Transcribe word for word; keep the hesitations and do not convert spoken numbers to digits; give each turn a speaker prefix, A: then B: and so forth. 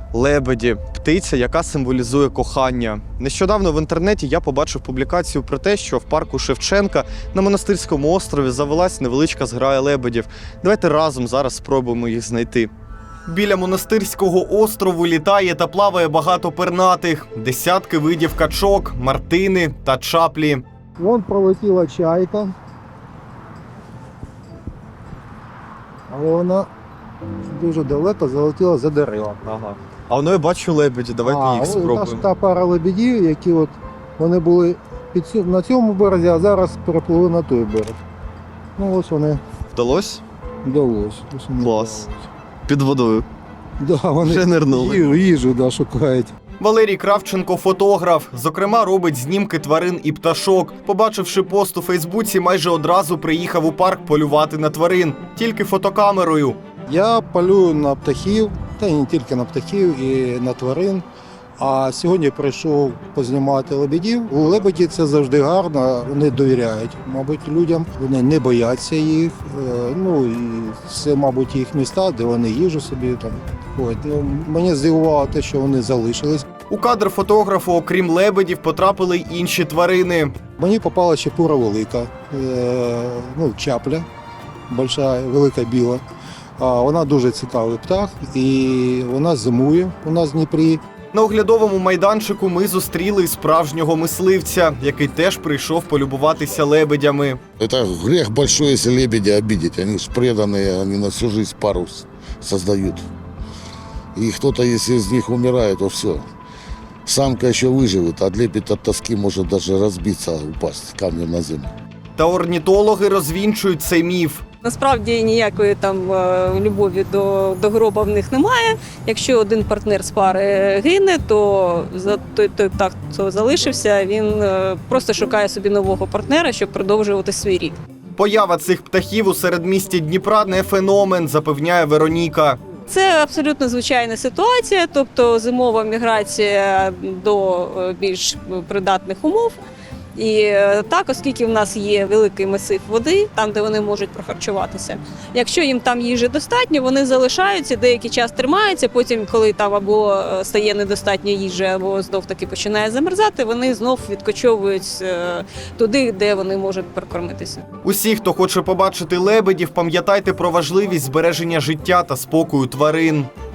A: Лебеді – птиця, яка символізує кохання. Нещодавно в інтернеті я побачив публікацію про те, що в парку Шевченка на Монастирському острові завелась невеличка зграя лебедів. Давайте разом зараз спробуємо їх знайти. Біля Монастирського острову літає та плаває багато пернатих. Десятки видів качок, мартини та чаплі.
B: Вон пролетіла чайка. Але вона дуже далеко залетіла за дерева.
A: Ага. А воно я бачу лебеді, давайте
B: а,
A: їх спробуємо.
B: Та, та пара лебедів, які от, вони були під цю, на цьому березі, а зараз перепливли на той берег. Ну ось вони
A: Вдалось?
B: вдалося. Ось вони
A: Клас.
B: вдалося.
A: Під водою.
B: Да, вони
A: Вже нирнули.
B: їжу, їжу да, шукають.
A: Валерій Кравченко – фотограф. Зокрема, робить знімки тварин і пташок. Побачивши пост у Фейсбуці, майже одразу приїхав у парк полювати на тварин. Тільки фотокамерою.
B: Я полюю на птахів, та й не тільки на птахів, і на тварин. А сьогодні прийшов познімати лебедів. У лебеді це завжди гарно, вони довіряють, мабуть, людям. Вони не бояться їх. Е, Ну і це, мабуть, їх міста, де вони їжу собі там. От. Мені здивувало те, що вони залишились.
A: У кадр фотографу, окрім лебедів, потрапили й інші тварини.
B: Мені попала чепура велика, е, ну, чапля, большая, велика біла. А вона дуже цікавий птах і вона зимує у нас в Дніпрі.
A: На оглядовому майданчику ми зустріли справжнього мисливця, який теж прийшов полюбуватися лебедями.
C: Это грех большой, если лебедя обидеть. Они же преданные, они на всю жизнь пару с- создают. И кто-то, если из них умирает, то все. Самка еще выживет, а лебедь от тоски может даже разбиться, упасть камнем на землю.
A: Та орнітологи розвінчують цей міф.
D: Насправді ніякої там е, любові до, до гроба в них немає. Якщо один партнер з пари гине, то за той, той птах, хто залишився, він е, просто шукає собі нового партнера, щоб продовжувати свій рід.
A: Поява цих птахів у середмісті Дніпра не феномен, запевняє Вероніка.
D: Це абсолютно звичайна ситуація, тобто зимова міграція до е, більш придатних умов. І е, так, оскільки в нас є великий масив води, там, де вони можуть прохарчуватися. Якщо їм там їжі достатньо, вони залишаються, деякий час тримаються, потім, коли там або е, стає недостатньо їжі, або знов-таки починає замерзати, вони знов відкочовують е, туди, де вони можуть прокормитися.
A: Усі, хто хоче побачити лебедів, пам'ятайте про важливість збереження життя та спокою тварин.